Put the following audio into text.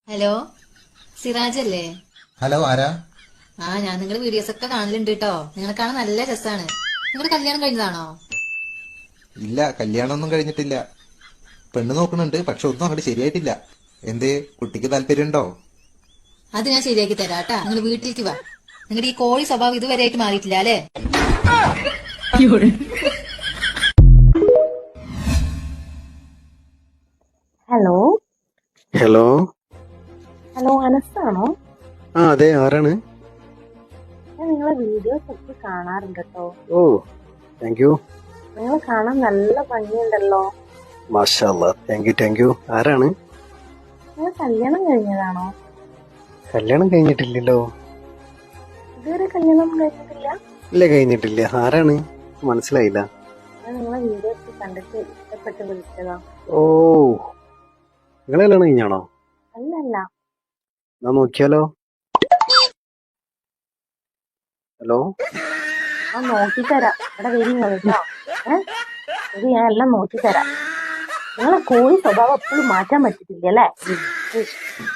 Hello, Siraj അല്ലേ? Hello, ആരാ? ഞാൻ നിങ്ങളുടെ വീഡിയോസ് ഒക്കെ കാണലുണ്ട് കേട്ടോ. നിങ്ങളെ കാണാൻ നല്ല രസാണ്. നിങ്ങളുടെ കല്യാണം കഴിഞ്ഞതാണോ? ഇല്ല, കല്യാണമൊന്നും കഴിഞ്ഞിട്ടില്ല. പെണ്ണ് നോക്കുന്നുണ്ട്, പക്ഷെ ഒന്നും അങ്ങോട്ട് ശരിയായിട്ടില്ല. എന്തേ, കുട്ടിക്ക് താല്പര്യമുണ്ടോ? അത് ഞാൻ ശരിയാക്കി തരാം കേട്ടാ. നിങ്ങൾ വീട്ടിലേക്ക് വാ. നിങ്ങളുടെ ഈ കോഴി സ്വഭാവം ഇതുവരെയായിട്ട് മാറിയിട്ടില്ല അല്ലേ? Hello hello. ഹലോ അനസാണോ? അതെ, ആരാണ്? ഞാൻ നിങ്ങളെ വീഡിയോസ് ഒക്കെ കാണാറുണ്ട് കേട്ടോ. ഓ, താങ്ക് യു. നിങ്ങൾ കാണാൻ നല്ല ഭംഗിയുണ്ടല്ലോ. മാഷാ അല്ലാ, താങ്ക് യു. ആരാണ്? നിങ്ങൾ കല്യാണം കഴിഞ്ഞതാണോ? കല്യാണം കഴിഞ്ഞിട്ടില്ലല്ലോ. ഇതുവരെ കല്യാണം കഴിഞ്ഞിട്ടില്ല? ഇല്ല, കഴിഞ്ഞിട്ടില്ല. ആരാണ്? മനസ്സിലായില്ല. ഞാൻ നിങ്ങളെ വീഡിയോസ് കണ്ടിട്ട് ഇഷ്ടപ്പെട്ട് വിളിച്ചതാ. ഓ, നിങ്ങൾ കല്യാണം കഴിഞ്ഞാണോ? അല്ലല്ല, എന്നാ നോക്കിയാലോ. ഹലോ. ഞാൻ നോക്കിത്തരാം. ഇവിടെ വരുന്നത് കേട്ടോ. ഇത് ഞാൻ എല്ലാം നോക്കിത്തരാം. നിങ്ങളെ കോഴി സ്വഭാവം എപ്പോഴും മാറ്റാൻ പറ്റിട്ടില്ല അല്ലേ?